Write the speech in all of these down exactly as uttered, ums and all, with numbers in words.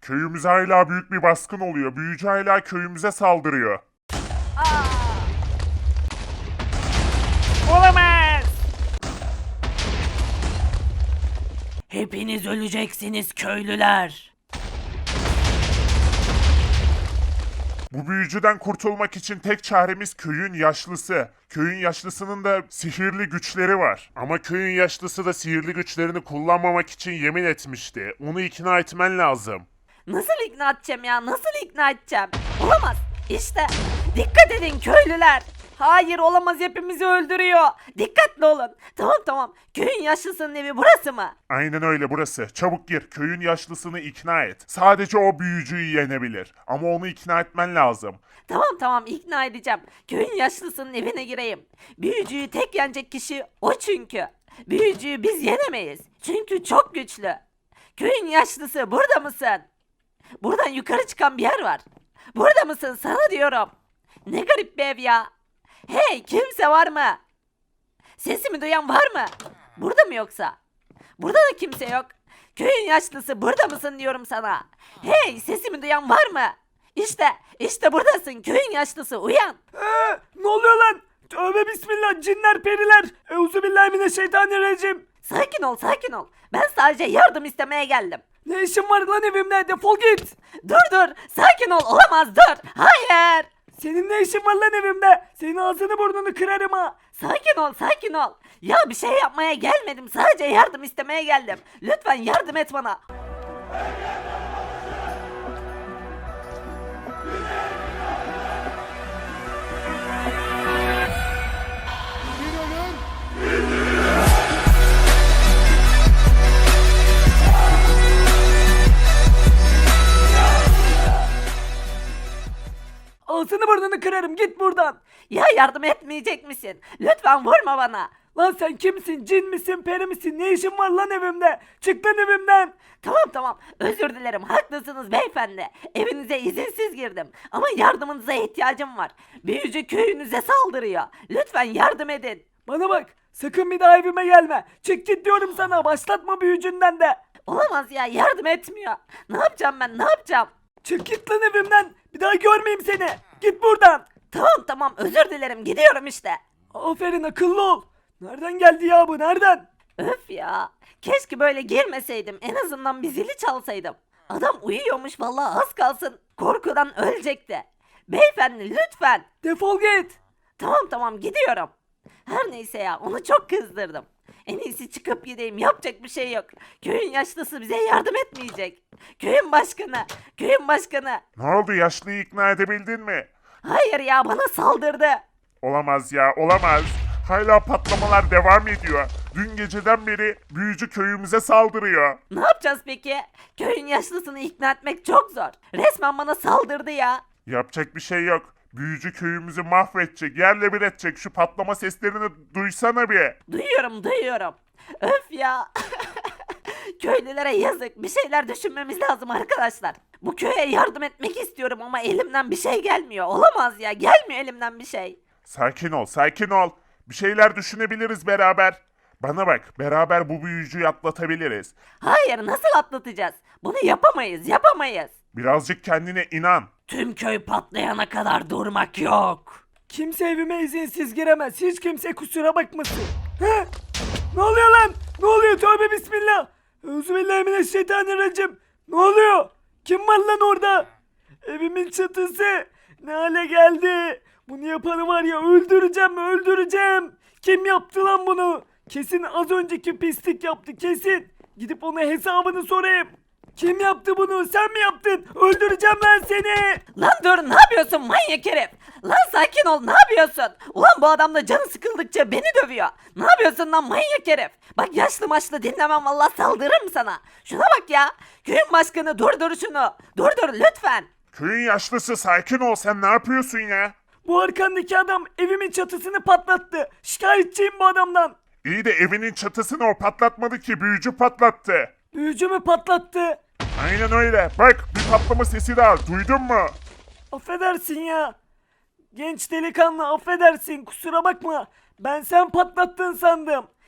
Köyümüze hala büyük bir baskın oluyor. Büyücü hala köyümüze saldırıyor. Olamaz. Hepiniz öleceksiniz köylüler. Bu büyücüden kurtulmak için tek çaremiz köyün yaşlısı. Köyün yaşlısının da sihirli güçleri var. Ama köyün yaşlısı da sihirli güçlerini kullanmamak için yemin etmişti. Onu ikna etmen lazım. Nasıl ikna edeceğim ya? Nasıl ikna edeceğim? Olamaz. İşte. Dikkat edin köylüler. Hayır olamaz, hepimizi öldürüyor. Dikkatli olun. Tamam tamam. Köyün yaşlısının evi burası mı? Aynen öyle, burası. Çabuk gir. Köyün yaşlısını ikna et. Sadece o büyücüyü yenebilir. Ama onu ikna etmen lazım. Tamam tamam, ikna edeceğim. Köyün yaşlısının evine gireyim. Büyücüyü tek yenecek kişi o çünkü. Büyücüyü biz yenemeyiz. Çünkü çok güçlü. Köyün yaşlısı, burada mısın? Buradan yukarı çıkan bir yer var. Burada mısın sana diyorum. Ne garip bir ev ya. Hey, kimse var mı? Sesimi duyan var mı? Burada mı yoksa? Burada da kimse yok. Köyün yaşlısı, burada mısın diyorum sana. Hey, sesimi duyan var mı? İşte, işte buradasın köyün yaşlısı, uyan. Ee, ne oluyor lan? Tövbe bismillah, cinler periler. Euzubillahimineşşeytanirracim. Sakin ol, sakin ol. Ben sadece yardım istemeye geldim. Ne işin var lan evimde? Defol git. Dur dur, sakin ol, olamaz, dur. Hayır. Senin ne işin var lan evimde? Senin ağzını burnunu kırarım ha. Sakin ol, sakin ol. Ya bir şey yapmaya gelmedim, sadece yardım istemeye geldim. Lütfen yardım et bana. Ağzını burnunu kırarım, git buradan. Ya yardım etmeyecek misin? Lütfen vurma bana. Lan sen kimsin? Cin misin? Peri misin? Ne işin var lan evimde? Çık lan evimden. Tamam tamam, özür dilerim, haklısınız beyefendi. Evinize izinsiz girdim ama yardımınıza ihtiyacım var. Büyücü köyünüze saldırıyor. Lütfen yardım edin. Bana bak, sakın bir daha evime gelme. Çık git diyorum sana, başlatma büyücünden de. Olamaz ya, yardım etmiyor. Ne yapacağım ben, ne yapacağım? Çık git lan evimden. Bir daha görmeyeyim seni. Git buradan. Tamam tamam, özür dilerim, gidiyorum işte. Aferin, akıllı ol. Nereden geldi ya bu, nereden? Öf ya, keşke böyle girmeseydim, en azından bir zili çalsaydım. Adam uyuyormuş vallahi, az kalsın korkudan ölecekti. Beyefendi lütfen. Defol git. Tamam tamam, gidiyorum. Her neyse ya, onu çok kızdırdım. En iyisi çıkıp gideyim, yapacak bir şey yok. Köyün yaşlısı bize yardım etmeyecek. Köyün başkanı, köyün başkanı. Ne oldu, yaşlıyı ikna edebildin mi? Hayır ya, bana saldırdı. Olamaz ya, olamaz. Hala patlamalar devam ediyor. Dün geceden beri büyücü köyümüze saldırıyor. Ne yapacağız peki? Köyün yaşlısını ikna etmek çok zor. Resmen bana saldırdı ya. Yapacak bir şey yok. Büyücü köyümüzü mahvedecek, yerle bir edecek. Şu patlama seslerini duysana bir. Duyuyorum duyuyorum. Öf ya. Köylülere yazık. Bir şeyler düşünmemiz lazım arkadaşlar. Bu köye yardım etmek istiyorum ama elimden bir şey gelmiyor. Olamaz ya. Gelmiyor elimden bir şey. Sakin ol, sakin ol. Bir şeyler düşünebiliriz beraber. Bana bak, beraber bu büyücüyü atlatabiliriz. Hayır, nasıl atlatacağız? Bunu yapamayız, yapamayız. Birazcık kendine inan. Tüm köy patlayana kadar durmak yok. Kimse evime izinsiz giremez. Hiç kimse kusura bakmasın. He? Ne oluyor lan? Ne oluyor? Tövbe bismillah. Euzubillahimineşşeytanirracim. Ne oluyor? Kim var lan orada? Evimin çatısı ne hale geldi? Bunu yapanı var ya, öldüreceğim öldüreceğim. Kim yaptı lan bunu? Kesin az önceki pislik yaptı, kesin. Gidip ona hesabını sorayım. Kim yaptı bunu? Sen mi yaptın? Öldüreceğim ben seni. Lan dur, ne yapıyorsun manyak herif? Lan sakin ol, ne yapıyorsun? Ulan bu adam da canı sıkıldıkça beni dövüyor. Ne yapıyorsun lan manyak herif? Bak yaşlı maçlı dinlemem, vallahi saldırırım sana. Şuna bak ya. Köyün başkanı, durdur şunu. Durdur lütfen. Köyün yaşlısı, sakin ol, sen ne yapıyorsun ya? Bu arkandaki adam evimin çatısını patlattı. Şikayetçiyim bu adamdan. İyi de evinin çatısını o patlatmadı ki, büyücü patlattı. Büyücü mü patlattı? Aynen öyle. Bak, bir patlama sesi daha, duydun mu? Affedersin ya. Genç delikanlı, affedersin, kusura bakma. Ben sen patlattın sandım.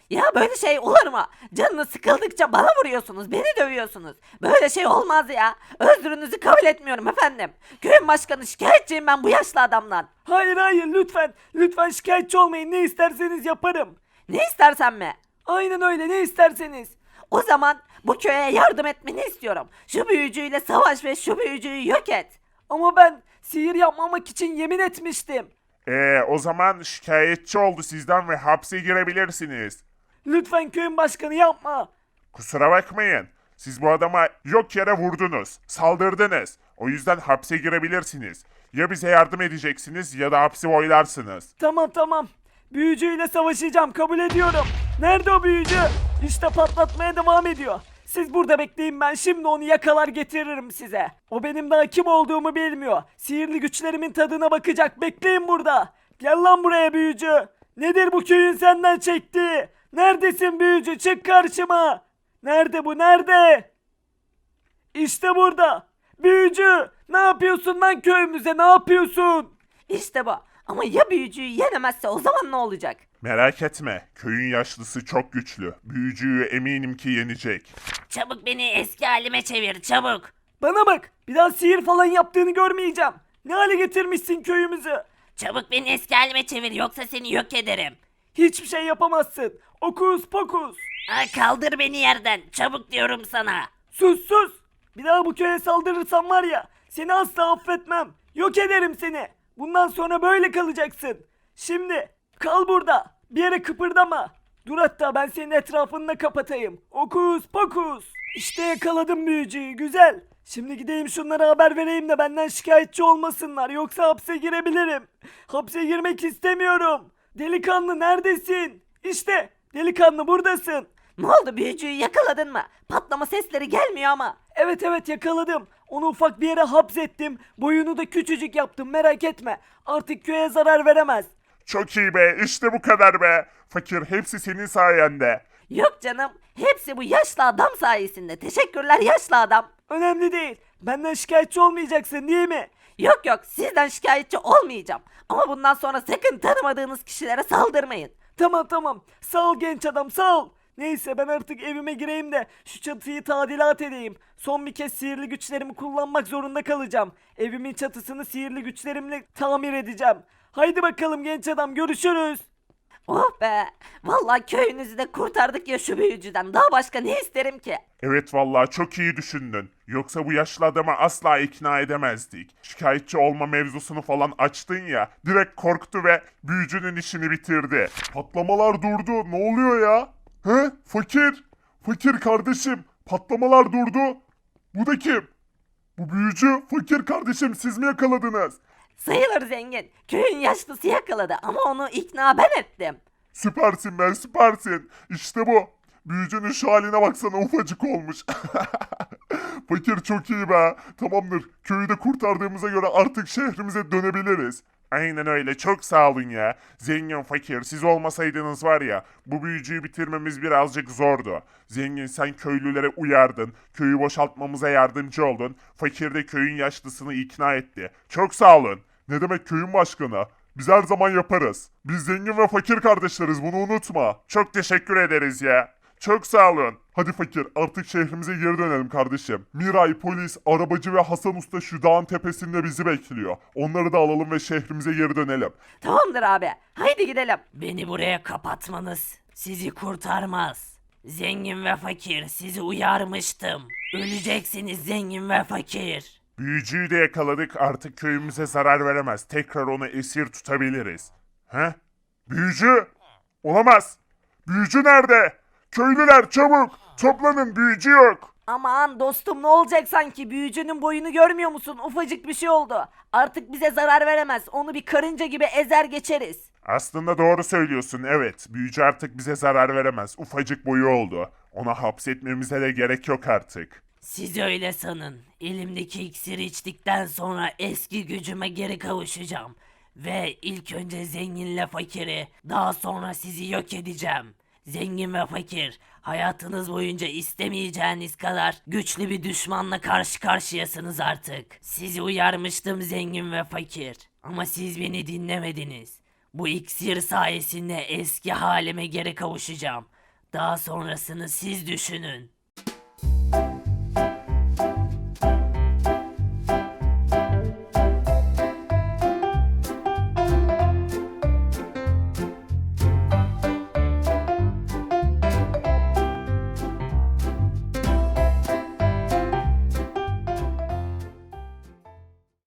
Ya böyle şey olur mu? Canınız sıkıldıkça bana vuruyorsunuz, beni dövüyorsunuz. Böyle şey olmaz ya. Özrünüzü kabul etmiyorum efendim. Köyün başkanı, şikayetçiyim ben bu yaşlı adamdan. Hayır hayır lütfen. Lütfen şikayetçi olmayın. Ne isterseniz yaparım. Ne istersen mi? Aynen öyle, ne isterseniz. O zaman bu köye yardım etmeni istiyorum. Şu büyücüyle savaş ve şu büyücüyü yok et. Ama ben sihir yapmamak için yemin etmiştim. Ee, o zaman şikayetçi oldu sizden ve hapse girebilirsiniz. Lütfen köyün başkanı yapma. Kusura bakmayın. Siz bu adama yok yere vurdunuz, saldırdınız. O yüzden hapse girebilirsiniz. Ya bize yardım edeceksiniz ya da hapsi boylarsınız. Tamam tamam. Büyücüyle savaşacağım, kabul ediyorum. Nerede o büyücü? İşte patlatmaya devam ediyor. Siz burada bekleyin, ben şimdi onu yakalar getiririm size. O benim daha kim olduğumu bilmiyor. Sihirli güçlerimin tadına bakacak, bekleyin burada. Gel lan buraya büyücü. Nedir bu köyün senden çektiği? Neredesin büyücü, çık karşıma. Nerede bu, nerede? İşte burada. Büyücü, ne yapıyorsun lan köyümüze, ne yapıyorsun? İşte bu. Ama ya büyücüyü yenemezse o zaman ne olacak? Merak etme, köyün yaşlısı çok güçlü. Büyücüyü eminim ki yenecek. Çabuk beni eski halime çevir, çabuk. Bana bak, bir daha sihir falan yaptığını görmeyeceğim. Ne hale getirmişsin köyümüzü? Çabuk beni eski halime çevir yoksa seni yok ederim. Hiçbir şey yapamazsın. Okus pokus. Ha, kaldır beni yerden, çabuk diyorum sana. Sus sus. Bir daha bu köye saldırırsan var ya, seni asla affetmem. Yok ederim seni. Bundan sonra böyle kalacaksın. Şimdi kal burada. Bir yere kıpırdama. Dur, hatta ben senin etrafını da kapatayım. Okus pokus. İşte yakaladım büyücüyü, güzel. Şimdi gideyim şunlara haber vereyim de benden şikayetçi olmasınlar. Yoksa hapse girebilirim. Hapse girmek istemiyorum. Delikanlı neredesin? İşte delikanlı buradasın. Ne oldu, büyücüyü yakaladın mı? Patlama sesleri gelmiyor ama. Evet evet yakaladım. Onu ufak bir yere hapsettim. Boyunu da küçücük yaptım, merak etme. Artık köye zarar veremez. Çok iyi be, işte bu kadar be. Fakir, hepsi senin sayende. Yok canım, hepsi bu yaşlı adam sayesinde. Teşekkürler yaşlı adam. Önemli değil. Benden şikayetçi olmayacaksın değil mi? Yok yok, sizden şikayetçi olmayacağım. Ama bundan sonra sakın tanımadığınız kişilere saldırmayın. Tamam tamam. Sağ ol genç adam, sağ ol. Neyse ben artık evime gireyim de şu çatıyı tadilat edeyim. Son bir kez sihirli güçlerimi kullanmak zorunda kalacağım. Evimin çatısını sihirli güçlerimle tamir edeceğim. Haydi bakalım genç adam, görüşürüz. Oh be, vallahi köyünüzü de kurtardık ya şu büyücüden. Daha başka ne isterim ki? Evet vallahi çok iyi düşündün. Yoksa bu yaşlı adamı asla ikna edemezdik. Şikayetçi olma mevzusunu falan açtın ya, direkt korktu ve büyücünün işini bitirdi. Patlamalar durdu. Ne oluyor ya? He? Fakir. Fakir kardeşim. Patlamalar durdu. Bu da kim? Bu büyücü. Fakir kardeşim, siz mi yakaladınız? Sayılır zengin. Köyün yaşlısı yakaladı ama onu ikna ben ettim. Süpersin be, süpersin. İşte bu. Büyücünün şu haline baksana, ufacık olmuş. Fakir çok iyi be. Tamamdır. Köyü de kurtardığımıza göre artık şehrimize dönebiliriz. Aynen öyle. Çok sağ olun ya. Zengin, fakir, siz olmasaydınız var ya, bu büyücüyü bitirmemiz birazcık zordu. Zengin, sen köylülere uyardın. Köyü boşaltmamıza yardımcı oldun. Fakir de köyün yaşlısını ikna etti. Çok sağ olun. Ne demek köyün başkanı? Biz her zaman yaparız. Biz zengin ve fakir kardeşleriz, bunu unutma. Çok teşekkür ederiz ya. Çok sağ olun. Hadi fakir, artık şehrimize geri dönelim kardeşim. Miray, polis, arabacı ve Hasan Usta şu dağın tepesinde bizi bekliyor. Onları da alalım ve şehrimize geri dönelim. Tamamdır abi. Haydi gidelim. Beni buraya kapatmanız sizi kurtarmaz. Zengin ve fakir, sizi uyarmıştım. Öleceksiniz zengin ve fakir. Büyücüyü de yakaladık, artık köyümüze zarar veremez. Tekrar onu esir tutabiliriz. He? Büyücü? Olamaz. Büyücü nerede? Köylüler çabuk! Toplanın, büyücü yok. Aman dostum, ne olacak sanki, büyücünün boyunu görmüyor musun? Ufacık bir şey oldu. Artık bize zarar veremez. Onu bir karınca gibi ezer geçeriz. Aslında doğru söylüyorsun, evet. Büyücü artık bize zarar veremez. Ufacık boyu oldu. Ona hapsetmemize de gerek yok artık. Siz öyle sanın. Elimdeki iksiri içtikten sonra eski gücüme geri kavuşacağım. Ve ilk önce zenginle fakiri, daha sonra sizi yok edeceğim. Zengin ve fakir, hayatınız boyunca istemeyeceğiniz kadar güçlü bir düşmanla karşı karşıyasınız artık. Sizi uyarmıştım zengin ve fakir. Ama siz beni dinlemediniz. Bu iksir sayesinde eski halime geri kavuşacağım. Daha sonrasını siz düşünün.